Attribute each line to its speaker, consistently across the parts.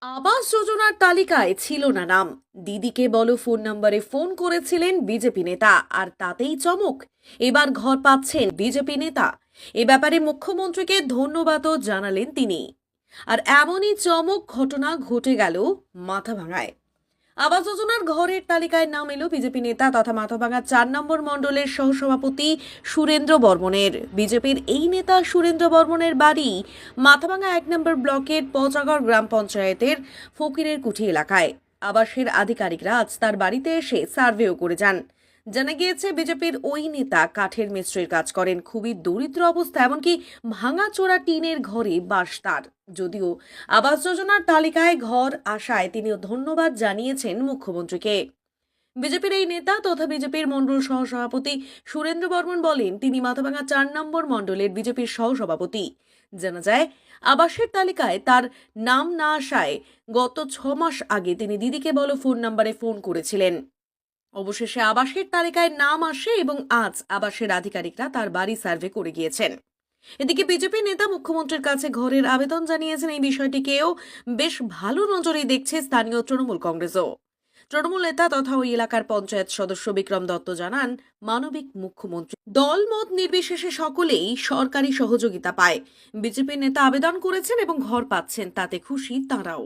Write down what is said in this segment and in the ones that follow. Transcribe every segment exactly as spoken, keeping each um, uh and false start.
Speaker 1: আবাস যোজনার তালিকায় ছিল না নাম। দিদিকে বলো ফোন নম্বরে ফোন করেছিলেন বিজেপি নেতা, আর তাতেই চমক, এবার ঘর পাচ্ছেন বিজেপি নেতা। এ ব্যাপারে মুখ্যমন্ত্রীকে ধন্যবাদও জানালেন তিনি। আর এমনই চমক ঘটনা ঘটে গেল মাথাভাঙায়। আবাস যোজনার ঘরের তালিকায় নাম এলো বিজেপি নেতা তথা মাথাভাঙা চার নম্বর মণ্ডলের সহসভাপতি সুরেন্দ্র বর্মনের। বিজেপির এই নেতা সুরেন্দ্র বর্মনের বাড়ি মাথাভাঙা এক নম্বর ব্লকের পচাগড় গ্রাম পঞ্চায়েতের ফকিরের কুঠি এলাকায়। আবাসের আধিকারিকরা আজ তার বাড়িতে এসে সার্ভেও করে যান। জানা গিয়েছে, বিজেপির ওই নেতা কাঠের মিস্ত্রির কাজ করেন, খুবই দরিদ্র অবস্থা, এমনকি ভাঙাচোরা টিনের ঘরে বাস তার। যদিও আবাস যোজনার তালিকায় ঘর আসায় তিনি ধন্যবাদ জানিয়েছেন মুখ্যমন্ত্রীকে। বিজেপির এই নেতা তথা বিজেপির মণ্ডল সহসভাপতি সুরেন্দ্র বর্মন বলেন, তিনি মাথাভাঙা চার নম্বর মণ্ডলের বিজেপির সহসভাপতি। জানা যায়, আবাসের তালিকায় তার নাম না আসায় গত ছ মাস আগে তিনি দিদিকে বলো ফোন নম্বরে ফোন করেছিলেন। অবশেষে আবাসের তালিকায় নাম আসে এবং আজ আবাসের আধিকারিকরা তার বাড়ি সার্ভে করে গিয়েছেন। এদিকে বিজেপি নেতা মুখ্যমন্ত্রীর কাছে ঘরের আবেদন জানিয়েছেন। এই বিষয়টিকেও বেশ ভালো নজরে দেখছে স্থানীয় তৃণমূল কংগ্রেসও। তৃণমূল নেতা তথা ওই এলাকার পঞ্চায়েত সদস্য বিক্রম দত্ত জানান, মানবিক মুখ্যমন্ত্রী, দল মত নির্বিশেষে সকলেই সরকারি সহযোগিতা পায়। বিজেপি নেতা আবেদন করেছেন এবং ঘর পাচ্ছেন, তাতে খুশি তারাও।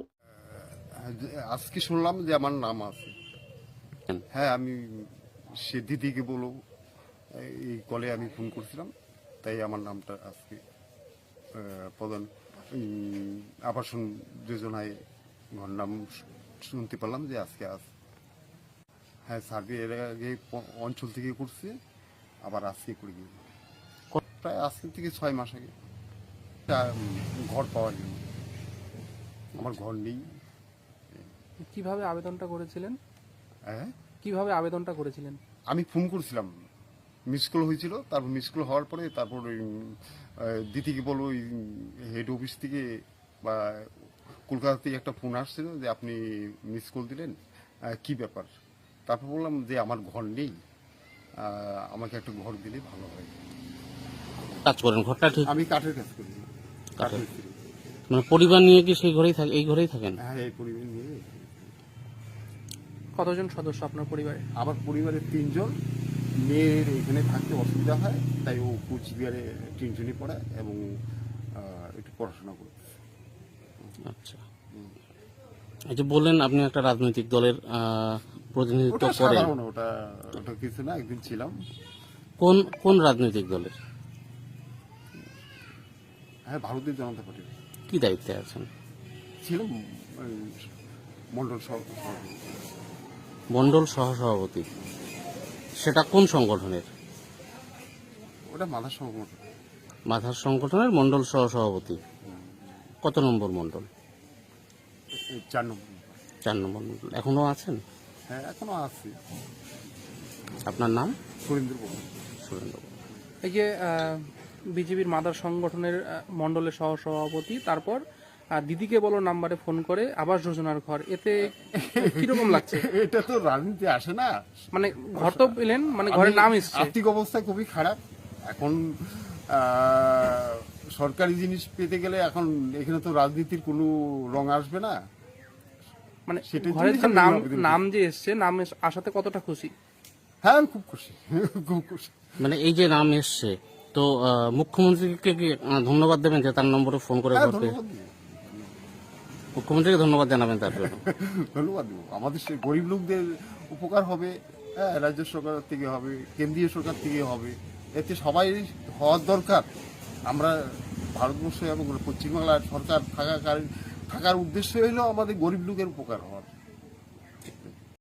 Speaker 2: আজকে শুনলাম যে আমার নাম আছে। হ্যাঁ, আমি সে দিদিকে বলো এই কলে আমি ফোন করছিলাম, তাই আমার নামটা আজকে প্রধান আবাসন যোজনায় ঘর নাম শুনতে পারলাম যে আজকে আস। হ্যাঁ, সার্ভে এর আগে অঞ্চল থেকে করছে, আবার আজকে করে গিয়ে প্রায় আজকে থেকে ছয় মাস আগে ঘর পাওয়ার জন্য। আমার ঘর নেই।
Speaker 3: কিভাবে আবেদনটা করেছিলেন?
Speaker 2: হ্যাঁ,
Speaker 3: কিভাবে আবেদনটা করেছিলেন?
Speaker 2: আমি ফোন করেছিলাম, মিস কল হয়েছিল, তারপর মিস কল হওয়ার পরে তারপর ওই দিদিকে বলো ওই হেড অফিস থেকে বা কলকাতা থেকে একটা ফোন আসছিল যে আপনি মিস কল দিলেন, কি ব্যাপার। তারপর বললাম যে আমার ঘর নেই, আমাকে একটা ঘর দিলে ভালো হয়।
Speaker 4: কাজ করেন ঘরটা ঠিক?
Speaker 2: আমি কাঠের কাজ করি। কাঠের
Speaker 4: মানে পরিবার নিয়ে কি সেই ঘরেই থাকে? এই ঘরেই থাকেন?
Speaker 2: হ্যাঁ, এই পরিবার নিয়ে।
Speaker 3: কতজন সদস্য আপনার পরিবারে?
Speaker 2: আমার পরিবারের তিনজন। মেয়ের এখানে থাকতে অসুবিধা হয়, তাই ও কুচবিহারে টিউশনি পড়ায় এবং একটু পড়াশোনা করে।
Speaker 4: আচ্ছা, এই যে বললেন আপনি একটা রাজনৈতিক দলের প্রতিনিধিত্ব করেন।
Speaker 2: ওটা ওটা কিছু না, একদিন ছিলাম।
Speaker 4: কোন কোন রাজনৈতিক দলের?
Speaker 2: হ্যাঁ, ভারতীয় জনতা পার্টির।
Speaker 4: কি দায়িত্বে আছেন?
Speaker 2: ছিলাম মন্ডল সভাপতি।
Speaker 4: মন্ডল সহসভাপতি, সেটা কোন সংগঠনের?
Speaker 2: ওটা মাথার সংগঠন।
Speaker 4: মাথার সংগঠনের মন্ডল সহসভাপতি। কত নম্বর মন্ডল?
Speaker 2: চার নম্বর।
Speaker 4: চার নম্বর মন্ডল। এখনো আছেন?
Speaker 2: হ্যাঁ, এখনো আছি।
Speaker 4: আপনার নাম?
Speaker 2: সুরেন্দ্র বর্মন।
Speaker 4: সুরেন্দ্র বর্মন।
Speaker 3: এই যে বিজেপির মাদার সংগঠনের মন্ডলের সহসভাপতি, তারপর দিদিকে বলো নাম্বারে ফোন করে আবাস যোজনার ঘর, এতে কিরকম লাগছে?
Speaker 2: এটা তো রাজনীতি আসে না,
Speaker 3: মানে ঘর তো পেলেন, মানে ঘরের নাম এসছে।
Speaker 2: আর্থিক অবস্থা খুবই খারাপ এখন। সরকারি জিনিস পেতে গেলে এখন এখানে তো রাজনীতির কোনো রং আসবে না।
Speaker 3: মানে ঘরের যে নাম নাম যে এসছে, নাম আসাতে কতটা খুশি?
Speaker 2: হ্যাঁ, আমি খুব খুশি, খুব খুশি।
Speaker 4: মানে এই যে নাম এসছে, তো মুখ্যমন্ত্রীকে কি ধন্যবাদ দেবেন যে তার নম্বরে ফোন করে? মুখ্যমন্ত্রীকে ধন্যবাদ জানাবেন তার জন্য?
Speaker 2: ধন্যবাদ দেবো। আমাদের সেই গরিব লোকদের উপকার হবে, হ্যাঁ, রাজ্য সরকার থেকে হবে, কেন্দ্রীয় সরকার থেকে হবে, এতে সবাই হওয়ার দরকার। আমরা ভারতবর্ষে এবং পশ্চিমবাংলার সরকার থাকাকালীন থাকার উদ্দেশ্য হলো আমাদের গরিব লোকের উপকার হওয়া।